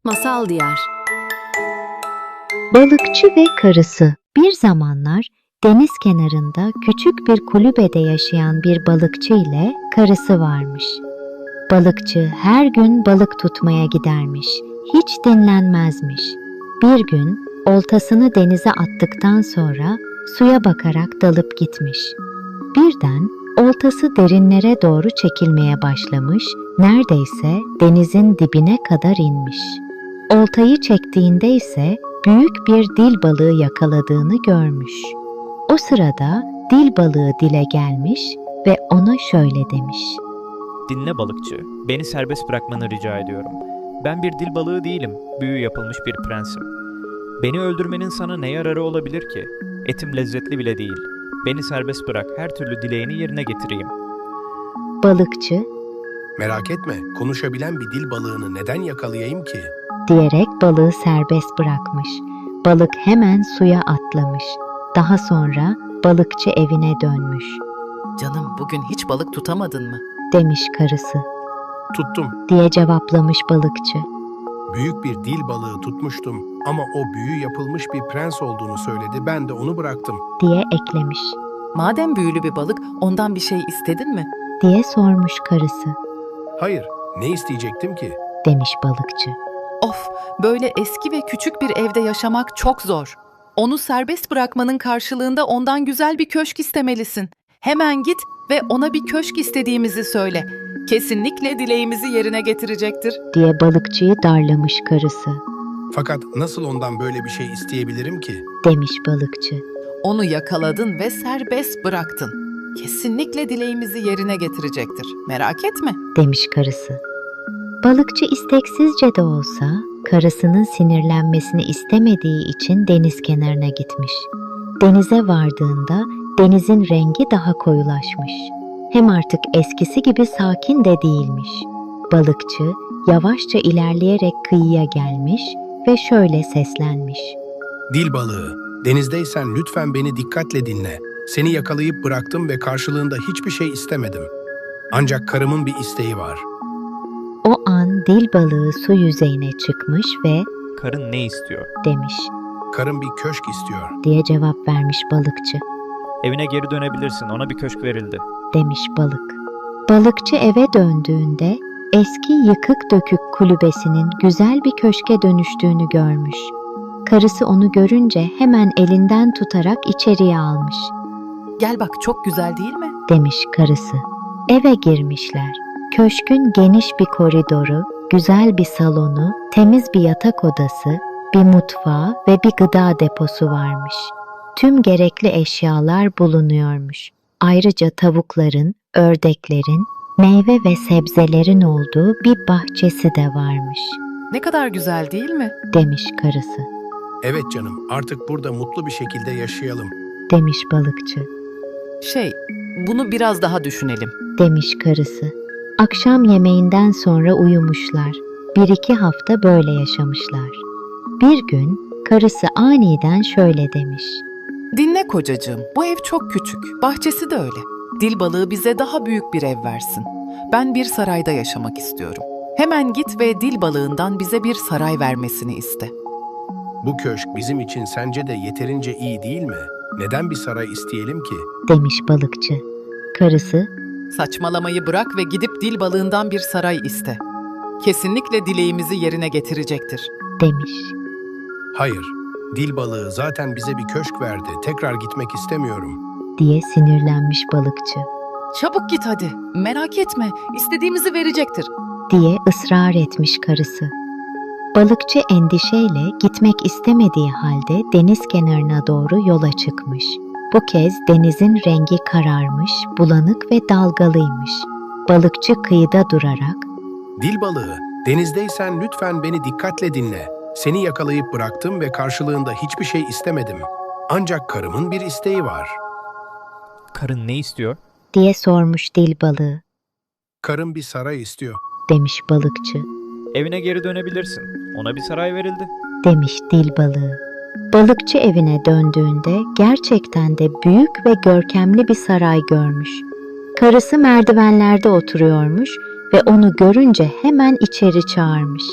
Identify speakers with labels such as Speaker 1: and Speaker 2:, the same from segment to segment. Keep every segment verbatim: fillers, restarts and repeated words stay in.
Speaker 1: Masal Diyar.
Speaker 2: Balıkçı ve karısı. Bir zamanlar deniz kenarında küçük bir kulübede yaşayan bir balıkçı ile karısı varmış. Balıkçı her gün balık tutmaya gidermiş, hiç dinlenmezmiş. Bir gün oltasını denize attıktan sonra suya bakarak dalıp gitmiş. Birden oltası derinlere doğru çekilmeye başlamış, neredeyse denizin dibine kadar inmiş. Oltayı çektiğinde ise büyük bir dil balığı yakaladığını görmüş. O sırada dil balığı dile gelmiş ve ona şöyle demiş.
Speaker 3: Dinle balıkçı, beni serbest bırakmanı rica ediyorum. Ben bir dil balığı değilim, büyü yapılmış bir prensim. Beni öldürmenin sana ne yararı olabilir ki? Etim lezzetli bile değil. Beni serbest bırak, her türlü dileğini yerine getireyim.
Speaker 2: Balıkçı,
Speaker 4: Merak etme, konuşabilen bir dil balığını neden yakalayayım ki?
Speaker 2: diyerek balığı serbest bırakmış. Balık hemen suya atlamış. Daha sonra balıkçı evine dönmüş.
Speaker 1: Canım, bugün hiç balık tutamadın mı?
Speaker 2: Demiş karısı,
Speaker 4: Tuttum.
Speaker 2: diye cevaplamış balıkçı.
Speaker 4: Büyük bir dil balığı tutmuştum ama o büyü yapılmış bir prens olduğunu söyledi, ben de onu bıraktım.
Speaker 2: Diye eklemiş.
Speaker 1: Madem büyülü bir balık, ondan bir şey istedin mi?
Speaker 2: Diye sormuş karısı.
Speaker 4: Hayır, ne isteyecektim ki?
Speaker 2: Demiş balıkçı.
Speaker 5: Of, böyle eski ve küçük bir evde yaşamak çok zor. Onu serbest bırakmanın karşılığında ondan güzel bir köşk istemelisin. Hemen git ve ona bir köşk istediğimizi söyle. Kesinlikle dileğimizi yerine getirecektir.
Speaker 2: Diye balıkçıyı darlamış karısı.
Speaker 4: Fakat nasıl ondan böyle bir şey isteyebilirim ki?
Speaker 2: Demiş balıkçı.
Speaker 5: Onu yakaladın ve serbest bıraktın. Kesinlikle dileğimizi yerine getirecektir. Merak etme.
Speaker 2: Demiş karısı. Balıkçı isteksizce de olsa karısının sinirlenmesini istemediği için deniz kenarına gitmiş. Denize vardığında denizin rengi daha koyulaşmış. Hem artık eskisi gibi sakin de değilmiş. Balıkçı yavaşça ilerleyerek kıyıya gelmiş ve şöyle seslenmiş.
Speaker 4: Dil balığı, denizdeysen lütfen beni dikkatle dinle. Seni yakalayıp bıraktım ve karşılığında hiçbir şey istemedim. Ancak karımın bir isteği var.
Speaker 2: O an dil balığı su yüzeyine çıkmış ve
Speaker 3: Karın ne istiyor?
Speaker 2: demiş
Speaker 4: Karım bir köşk istiyor.
Speaker 2: diye cevap vermiş balıkçı.
Speaker 3: Evine geri dönebilirsin, ona bir köşk verildi.
Speaker 2: Demiş balık. Balıkçı eve döndüğünde eski yıkık dökük kulübesinin güzel bir köşke dönüştüğünü görmüş. Karısı onu görünce hemen elinden tutarak içeriye almış.
Speaker 5: Gel bak, çok güzel değil mi?
Speaker 2: Demiş karısı. Eve girmişler. Köşkün geniş bir koridoru, güzel bir salonu, temiz bir yatak odası, bir mutfağı ve bir gıda deposu varmış. Tüm gerekli eşyalar bulunuyormuş. Ayrıca tavukların, ördeklerin, meyve ve sebzelerin olduğu bir bahçesi de varmış.
Speaker 5: Ne kadar güzel değil mi?
Speaker 2: Demiş karısı.
Speaker 4: Evet canım, artık burada mutlu bir şekilde yaşayalım.
Speaker 2: Demiş balıkçı.
Speaker 5: Şey, bunu biraz daha düşünelim.
Speaker 2: Demiş karısı. Akşam yemeğinden sonra uyumuşlar. Bir iki hafta böyle yaşamışlar. Bir gün karısı aniden şöyle demiş.
Speaker 5: Dinle kocacığım, bu ev çok küçük, bahçesi de öyle. Dil balığı bize daha büyük bir ev versin. Ben bir sarayda yaşamak istiyorum. Hemen git ve dil balığından bize bir saray vermesini iste.
Speaker 4: Bu köşk bizim için sence de yeterince iyi değil mi? Neden bir saray isteyelim ki?
Speaker 2: Demiş balıkçı. Karısı,
Speaker 5: Saçmalamayı bırak ve gidip dil balığından bir saray iste. Kesinlikle dileğimizi yerine getirecektir.
Speaker 2: demiş.
Speaker 4: Hayır, dil balığı zaten bize bir köşk verdi. Tekrar gitmek istemiyorum.
Speaker 2: Diye sinirlenmiş balıkçı.
Speaker 5: Çabuk git hadi, merak etme, istediğimizi verecektir.
Speaker 2: Diye ısrar etmiş karısı. Balıkçı endişeyle gitmek istemediği halde deniz kenarına doğru yola çıkmış. Bu kez denizin rengi kararmış, bulanık ve dalgalıymış. Balıkçı kıyıda durarak,
Speaker 4: Dil balığı, denizdeysen lütfen beni dikkatle dinle. Seni yakalayıp bıraktım ve karşılığında hiçbir şey istemedim. Ancak karımın bir isteği var.
Speaker 3: Karın ne istiyor?
Speaker 2: diye sormuş dil balığı.
Speaker 4: Karım bir saray istiyor.
Speaker 2: Demiş balıkçı.
Speaker 3: Evine geri dönebilirsin, ona bir saray verildi.
Speaker 2: Demiş dil balığı. Balıkçı evine döndüğünde gerçekten de büyük ve görkemli bir saray görmüş. Karısı merdivenlerde oturuyormuş ve onu görünce hemen içeri çağırmış.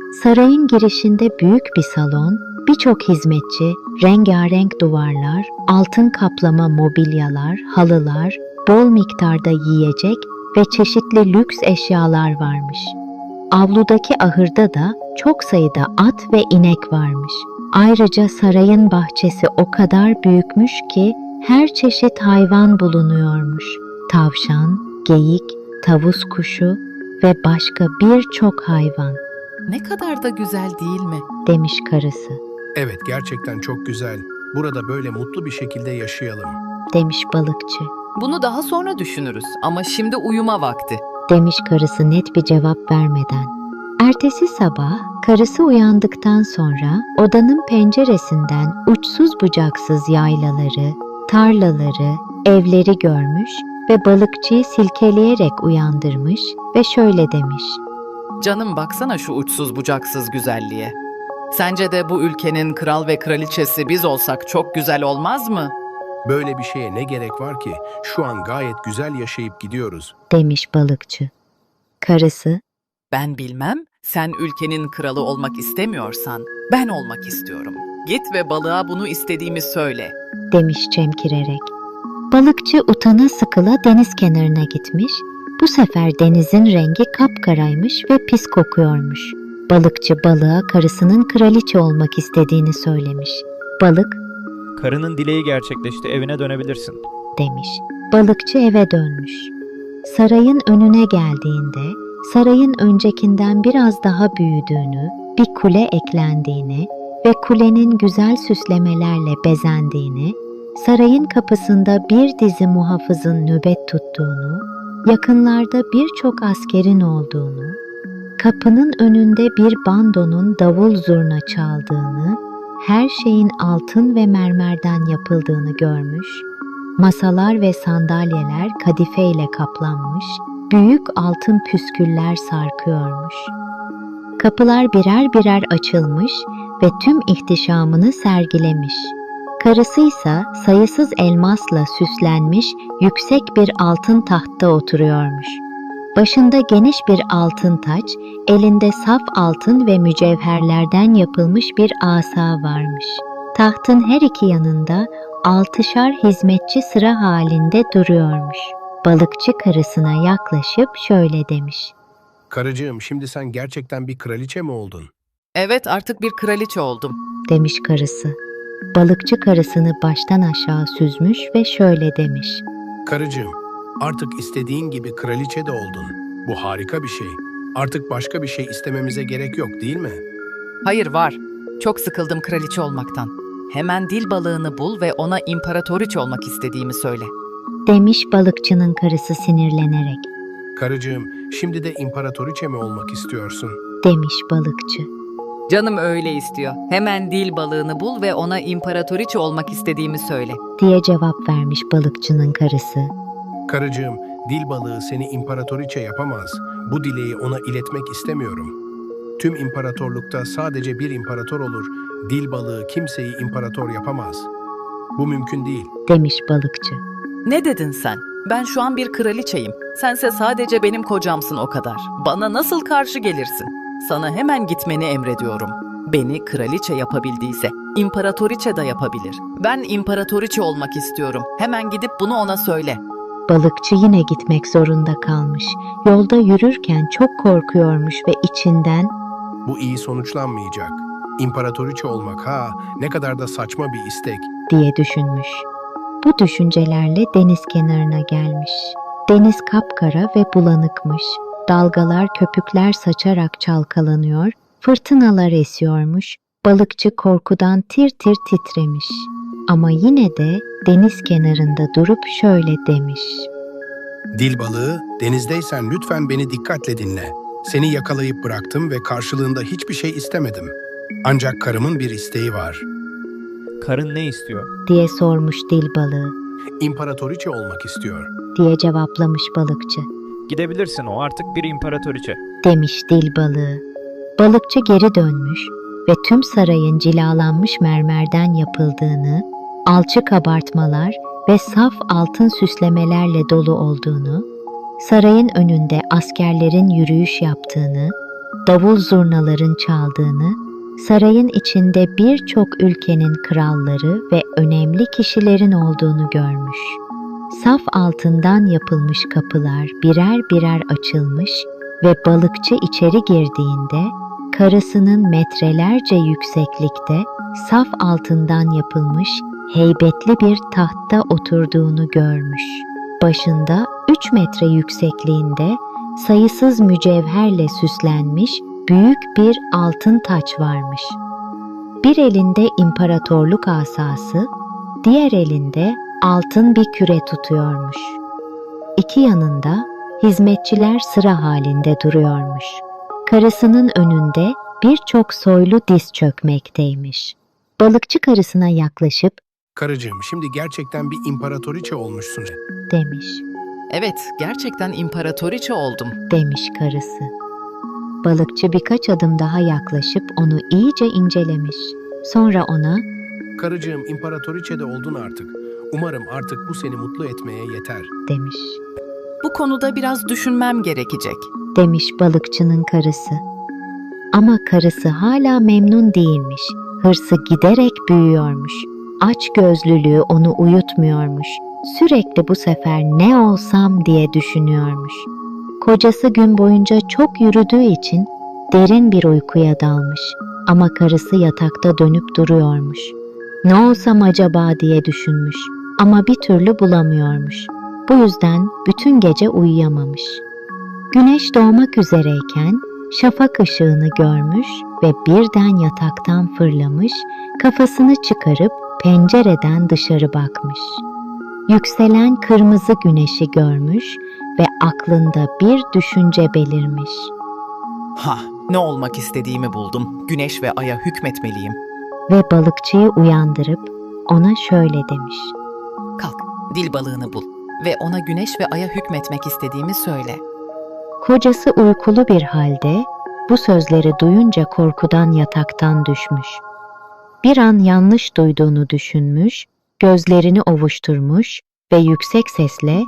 Speaker 2: Sarayın girişinde büyük bir salon, birçok hizmetçi, rengarenk duvarlar, altın kaplama mobilyalar, halılar, bol miktarda yiyecek ve çeşitli lüks eşyalar varmış. Avludaki ahırda da çok sayıda at ve inek varmış. Ayrıca sarayın bahçesi o kadar büyükmüş ki her çeşit hayvan bulunuyormuş. Tavşan, geyik, tavus kuşu ve başka birçok hayvan,
Speaker 5: Ne kadar da güzel değil mi?
Speaker 2: demiş karısı,
Speaker 4: Evet, gerçekten çok güzel. Burada böyle mutlu bir şekilde yaşayalım.
Speaker 2: demiş balıkçı.
Speaker 5: Bunu daha sonra düşünürüz ama şimdi uyuma vakti.
Speaker 2: Demiş karısı net bir cevap vermeden. Ertesi sabah karısı uyandıktan sonra odanın penceresinden uçsuz bucaksız yaylaları, tarlaları, evleri görmüş ve balıkçıyı silkeleyerek uyandırmış ve şöyle demiş.
Speaker 5: Canım baksana şu uçsuz bucaksız güzelliğe. Sence de bu ülkenin kral ve kraliçesi biz olsak çok güzel olmaz mı?
Speaker 4: Böyle bir şeye ne gerek var ki? Şu an gayet güzel yaşayıp gidiyoruz.
Speaker 2: Demiş balıkçı. Karısı,
Speaker 5: Ben bilmem, sen ülkenin kralı olmak istemiyorsan ben olmak istiyorum. Git ve balığa bunu istediğimi söyle.
Speaker 2: demiş çemkirerek. Balıkçı utana sıkıla deniz kenarına gitmiş. Bu sefer denizin rengi kapkaraymış ve pis kokuyormuş. Balıkçı balığa karısının kraliçe olmak istediğini söylemiş. Balık,
Speaker 3: Karının dileği gerçekleşti, evine dönebilirsin.
Speaker 2: demiş. Balıkçı eve dönmüş. Sarayın önüne geldiğinde sarayın öncekinden biraz daha büyüdüğünü, bir kule eklendiğini ve kulenin güzel süslemelerle bezendiğini, sarayın kapısında bir dizi muhafızın nöbet tuttuğunu, yakınlarda birçok askerin olduğunu, kapının önünde bir bandonun davul zurna çaldığını, her şeyin altın ve mermerden yapıldığını görmüş, masalar ve sandalyeler kadifeyle kaplanmış, büyük altın püsküller sarkıyormuş. Kapılar birer birer açılmış ve tüm ihtişamını sergilemiş. Karısıysa sayısız elmasla süslenmiş yüksek bir altın tahtta oturuyormuş. Başında geniş bir altın taç, elinde saf altın ve mücevherlerden yapılmış bir asa varmış. Tahtın her iki yanında altışar hizmetçi sıra halinde duruyormuş. Balıkçı karısına yaklaşıp şöyle demiş.
Speaker 4: Karıcığım, şimdi sen gerçekten bir kraliçe mi oldun?
Speaker 5: Evet, artık bir kraliçe oldum.
Speaker 2: Demiş karısı. Balıkçı karısını baştan aşağı süzmüş ve şöyle demiş.
Speaker 4: Karıcığım, artık istediğin gibi kraliçe de oldun. Bu harika bir şey. Artık başka bir şey istememize gerek yok, değil mi?
Speaker 5: Hayır var. Çok sıkıldım kraliçe olmaktan. Hemen dil balığını bul ve ona imparatoriçe olmak istediğimi söyle.
Speaker 2: Demiş balıkçının karısı sinirlenerek.
Speaker 4: Karıcığım, şimdi de imparatoriçe mi olmak istiyorsun?
Speaker 2: Demiş balıkçı.
Speaker 5: Canım öyle istiyor. Hemen dil balığını bul ve ona imparatoriçe olmak istediğimi söyle.
Speaker 2: Diye cevap vermiş balıkçının karısı.
Speaker 4: Karıcığım, dil balığı seni imparatoriçe yapamaz. Bu dileği ona iletmek istemiyorum. Tüm imparatorlukta sadece bir imparator olur. Dil balığı kimseyi imparator yapamaz. Bu mümkün değil.
Speaker 2: Demiş balıkçı.
Speaker 5: Ne dedin sen? Ben şu an bir kraliçeyim. Sense sadece benim kocamsın o kadar. Bana nasıl karşı gelirsin? Sana hemen gitmeni emrediyorum. Beni kraliçe yapabildiyse imparatoriçe de yapabilir. Ben imparatoriçe olmak istiyorum. Hemen gidip bunu ona söyle.
Speaker 2: Balıkçı yine gitmek zorunda kalmış. Yolda yürürken çok korkuyormuş ve içinden
Speaker 4: Bu iyi sonuçlanmayacak. İmparatoriçe olmak ha, ne kadar da saçma bir istek.
Speaker 2: diye düşünmüş. Bu düşüncelerle deniz kenarına gelmiş. Deniz kapkara ve bulanıkmış. Dalgalar köpükler saçarak çalkalanıyor, fırtınalar esiyormuş. Balıkçı korkudan tir tir titremiş. Ama yine de deniz kenarında durup şöyle demiş.
Speaker 4: Dil balığı, denizdeysen lütfen beni dikkatle dinle. Seni yakalayıp bıraktım ve karşılığında hiçbir şey istemedim. Ancak karımın bir isteği var.
Speaker 3: Karın ne istiyor?
Speaker 2: Diye sormuş dil balığı.
Speaker 4: İmparatoriçe olmak istiyor.
Speaker 2: Diye cevaplamış balıkçı.
Speaker 3: Gidebilirsin, o artık bir imparatoriçe.
Speaker 2: Demiş dil balığı. Balıkçı geri dönmüş ve tüm sarayın cilalanmış mermerden yapıldığını, alçı kabartmalar ve saf altın süslemelerle dolu olduğunu, sarayın önünde askerlerin yürüyüş yaptığını, davul zurnaların çaldığını, sarayın içinde birçok ülkenin kralları ve önemli kişilerin olduğunu görmüş. Saf altından yapılmış kapılar birer birer açılmış ve balıkçı içeri girdiğinde karısının metrelerce yükseklikte saf altından yapılmış heybetli bir tahtta oturduğunu görmüş. Başında üç metre yüksekliğinde sayısız mücevherle süslenmiş büyük bir altın taç varmış. Bir elinde imparatorluk asası, diğer elinde altın bir küre tutuyormuş. İki yanında hizmetçiler sıra halinde duruyormuş. Karısının önünde birçok soylu diz çökmekteymiş. Balıkçı karısına yaklaşıp
Speaker 4: Karıcığım, şimdi gerçekten bir imparatoriçe olmuşsun.
Speaker 2: demiş,
Speaker 5: Evet, gerçekten imparatoriçe oldum.
Speaker 2: demiş karısı. Balıkçı birkaç adım daha yaklaşıp onu iyice incelemiş. Sonra ona
Speaker 4: Karıcığım, imparatoriçe de oldun artık. Umarım artık bu seni mutlu etmeye yeter.
Speaker 2: demiş.
Speaker 5: Bu konuda biraz düşünmem gerekecek.
Speaker 2: demiş balıkçının karısı. Ama karısı hala memnun değilmiş. Hırsı giderek büyüyormuş. Açgözlülüğü onu uyutmuyormuş. Sürekli bu sefer ne olsam diye düşünüyormuş. Kocası gün boyunca çok yürüdüğü için derin bir uykuya dalmış. Ama karısı yatakta dönüp duruyormuş. Ne olsam acaba diye düşünmüş. Ama bir türlü bulamıyormuş. Bu yüzden bütün gece uyuyamamış. Güneş doğmak üzereyken şafak ışığını görmüş ve birden yataktan fırlamış, kafasını çıkarıp pencereden dışarı bakmış. Yükselen kırmızı güneşi görmüş ve aklında bir düşünce belirmiş.
Speaker 1: Ha, ne olmak istediğimi buldum. Güneş ve aya hükmetmeliyim.
Speaker 2: Ve balıkçıyı uyandırıp ona şöyle demiş.
Speaker 5: Kalk, dil balığını bul ve ona güneş ve aya hükmetmek istediğimi söyle.
Speaker 2: Kocası uykulu bir halde bu sözleri duyunca korkudan yataktan düşmüş. Bir an yanlış duyduğunu düşünmüş, gözlerini ovuşturmuş ve yüksek sesle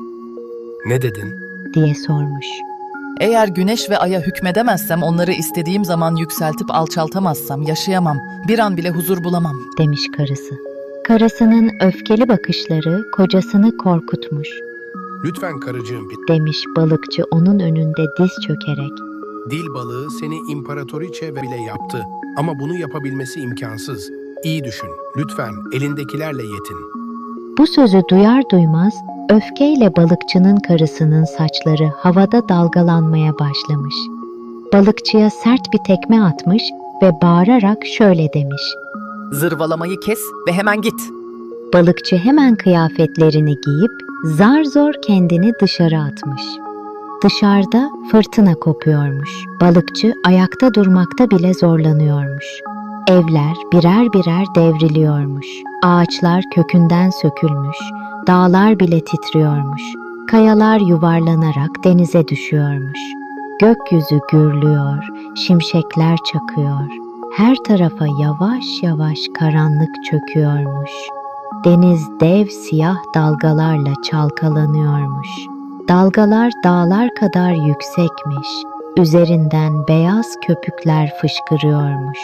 Speaker 4: Ne dedin?
Speaker 2: diye sormuş.
Speaker 5: Eğer güneş ve aya hükmedemezsem, onları istediğim zaman yükseltip alçaltamazsam yaşayamam, bir an bile huzur bulamam.
Speaker 2: demiş karısı. Karısının öfkeli bakışları kocasını korkutmuş,
Speaker 4: Lütfen karıcığım,
Speaker 2: demiş balıkçı onun önünde diz çökerek.
Speaker 4: dil balığı seni imparatoriçe bile yaptı. Ama bunu yapabilmesi imkansız. İyi düşün. Lütfen elindekilerle yetin.
Speaker 2: Bu sözü duyar duymaz öfkeyle balıkçının karısının saçları havada dalgalanmaya başlamış. Balıkçıya sert bir tekme atmış ve bağırarak şöyle demiş.
Speaker 1: Zırvalamayı kes ve hemen git.
Speaker 2: Balıkçı hemen kıyafetlerini giyip zar zor kendini dışarı atmış. Dışarıda fırtına kopuyormuş. Balıkçı ayakta durmakta bile zorlanıyormuş. Evler birer birer devriliyormuş. Ağaçlar kökünden sökülmüş. Dağlar bile titriyormuş. Kayalar yuvarlanarak denize düşüyormuş. Gökyüzü gürlüyor, şimşekler çakıyor. Her tarafa yavaş yavaş karanlık çöküyormuş. Deniz dev siyah dalgalarla çalkalanıyormuş. Dalgalar dağlar kadar yüksekmiş. Üzerinden beyaz köpükler fışkırıyormuş.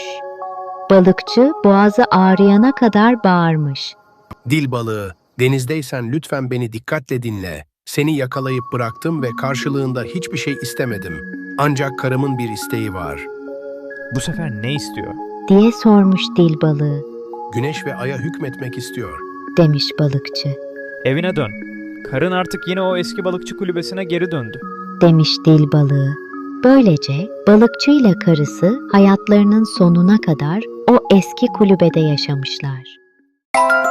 Speaker 2: Balıkçı boğazı ağrıyana kadar bağırmış.
Speaker 4: Dil balığı, denizdeysen lütfen beni dikkatle dinle. Seni yakalayıp bıraktım ve karşılığında hiçbir şey istemedim. Ancak karımın bir isteği var.
Speaker 3: Bu sefer ne istiyor?
Speaker 2: diye sormuş dil balığı,
Speaker 4: Güneş ve aya hükmetmek istiyor.
Speaker 2: demiş balıkçı,
Speaker 3: Evine dön. Karın artık yine o eski balıkçı kulübesine geri döndü.
Speaker 2: demiş dil balığı. Böylece balıkçıyla karısı hayatlarının sonuna kadar o eski kulübede yaşamışlar.